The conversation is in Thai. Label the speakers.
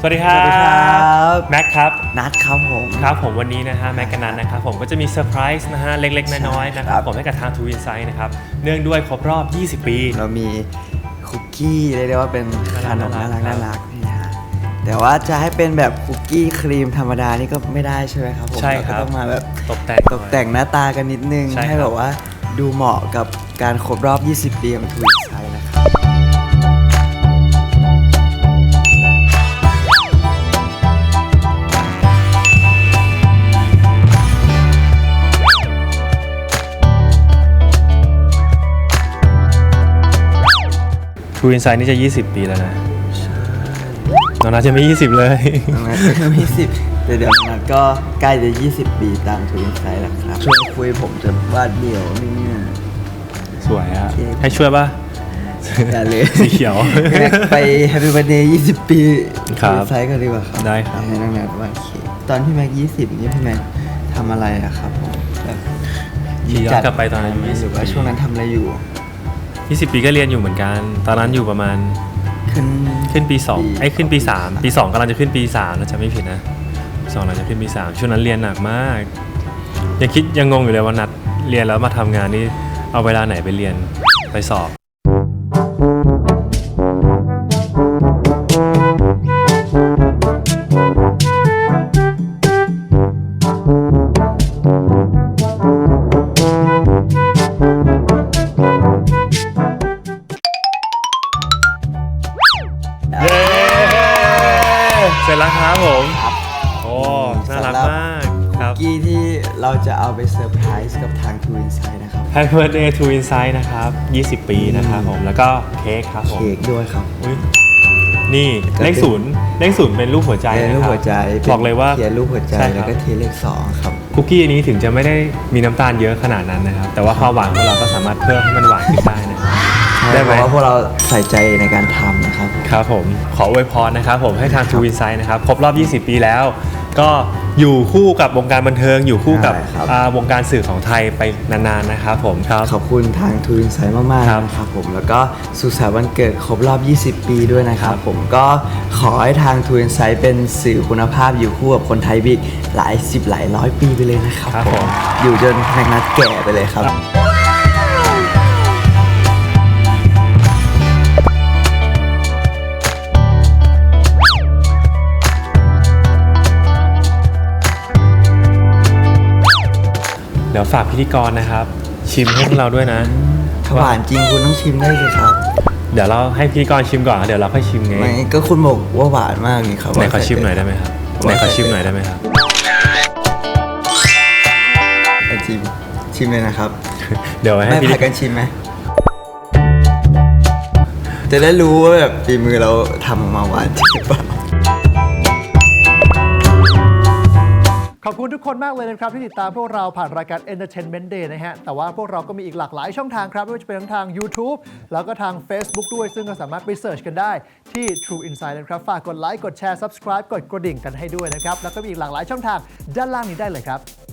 Speaker 1: วัสดีครับแม็กครับ
Speaker 2: นัดครับผม
Speaker 1: ครับผมวันนี้นะฮะแม็กกับนัทนะครับผมก็จะมีเซอร์ไพรส์นะฮะเล็กๆน้อยๆนะครับผมให้กับทาง True Insight นะครับเนื่องด้วยครบรอบ20 ปี
Speaker 2: เรามีคุกกี้เรียกได้ว่าเป็นขนมน่ารักนี่ฮะแต่ว่าจะให้เป็นแบบคุกกี้ครีมธรรมดานี่ก็ไม่ได้ใช่ไหมครับผม
Speaker 1: ใช่ครับ
Speaker 2: ก็ต้องมาแบบ
Speaker 1: ตก
Speaker 2: แต่งหน้าตากันนิดนึงให้แบบว่าดูเหมาะกับการครบรอบ 20 ปีของ True Insight นะครับ
Speaker 1: True Insight นี่จะ20 ปีแล้วนะน้องนัทจะไม่20เลย
Speaker 2: น้องนัทจะไม่20แต่เดี๋ยวนัทก็ใกล้จะ20 ปีตาม True Insight แล้วครับช่วยคุยผมจะวาดเดี่ยวนี่เนี่ย
Speaker 1: สวยอะให้ช่วยป่ะ
Speaker 2: อย่าเลย
Speaker 1: สีเขียว
Speaker 2: ไป Happy Birthday 20 ปี
Speaker 1: ครับ
Speaker 2: True Insight กันดีกว่าครับ
Speaker 1: ได้ครับ
Speaker 2: ให้น้องนัทวาดเค้กตอนพี่แม็ก20นี่พี่แม็กทำอะไรอะครับผมแบบ
Speaker 1: ย้อนกลับไปตอนอายุ
Speaker 2: หรือว่าช่วงนั้นทำอะไรอยู่
Speaker 1: 20 ปีก็เรียนอยู่เหมือนกันตอนนั้นอยู่ประมาณขึ้นปี2ขึ้นปี3ปี2กำลังจะขึ้นปี3แล้วจะไม่ผิดนะ2กำลังจะขึ้นปี3ช่วงนั้นเรียนหนักมากยังงงอยู่เลยว่านัดเรียนแล้วมาทำงานนี่เอาเวลาไหนไปเรียนไปสอบเสร็จแล้วครับผมโอ้น่ารักมากครับ
Speaker 2: กี้ที่เราจะเอาไปเซอร์ไพรส์กับทาง True Insight นะครับ
Speaker 1: Happy Birthday True Insight นะครับ20 ปีนะครับผมแล้วก็เค้กครับผม
Speaker 2: เค้กด้วยครับ
Speaker 1: นี่เลขศูนย์เป็นรูปหัวใจ
Speaker 2: เป็นรูปหัวใจ
Speaker 1: บอกเลยว่า
Speaker 2: เขียนรูปหัวใจแล้วก็เทเลข2ครับ
Speaker 1: คุกกี้อันนี้ถึงจะไม่ได้มีน้ำตาลเยอะขนาดนั้นนะครับแต่ว่าความหวานของเราก็สามารถเพิ่มให้มันหวานขึ้นได้นะ
Speaker 2: ได้ไหมเพราะว่าพวกเราใส่ใจในการทำนะครับ
Speaker 1: ครับผมขออวยพรนะครับผมให้ทาง True Insight นะครับครบรอบ 20 ปีแล้วก็อยู่คู่กับวงการบันเทิงอยู่คู่กับวงการสื่อของไทยไปนานๆนะครับผมครับ
Speaker 2: ขอบคุณทาง True Insight มากๆนะครับผมแล้วก็สุขสันต์วันเกิดครบรอบ 20 ปีด้วยนะครับผมก็ขอให้ทาง True Insight เป็นสื่อคุณภาพอยู่คู่กับคนไทยบิ๊กหลาย10หลายร้อยปีไปเลยนะครับผมอยู่จนแม็กนัทแก่ไปเลยครับ
Speaker 1: เดี๋ยวฝากพิธีกรนะครับชิมให้พวกเราด้วยนะ
Speaker 2: หวานจริงคุณต้องชิมได้เลยครับ
Speaker 1: เดี๋ยวเราให้พิธีกรชิมก่อนเดี๋ยวเราค่อยชิมไง
Speaker 2: ไม่ก็คุณบอกว่าหวานมากนี่ครับ
Speaker 1: ไหนขอชิมหน่อยได้ไหมครับไหนขอชิมหน่อยได้ไหมครับ
Speaker 2: ชิมเลยนะครับ
Speaker 1: เดี๋ยวให้
Speaker 2: พากันชิมไหมจะได้รู้ว่าแบบฝีมือเราทำออกมาหวานจริงหรือเปล่า
Speaker 3: ขอบคุณทุกคนมากเลยนะครับที่ติดตามพวกเราผ่านรายการ Entertainment Day นะฮะแต่ว่าพวกเราก็มีอีกหลากหลายช่องทางครับไม่ว่าจะเป็นทั้งทาง YouTube แล้วก็ทาง Facebook ด้วยซึ่งก็สามารถไปเสิร์ชกันได้ที่ True Insight นะครับฝากกดไลค์กดแชร์ Subscribe กดกระดิ่งกันให้ด้วยนะครับแล้วก็มีอีกหลากหลายช่องทางด้านล่างนี้ได้เลยครับ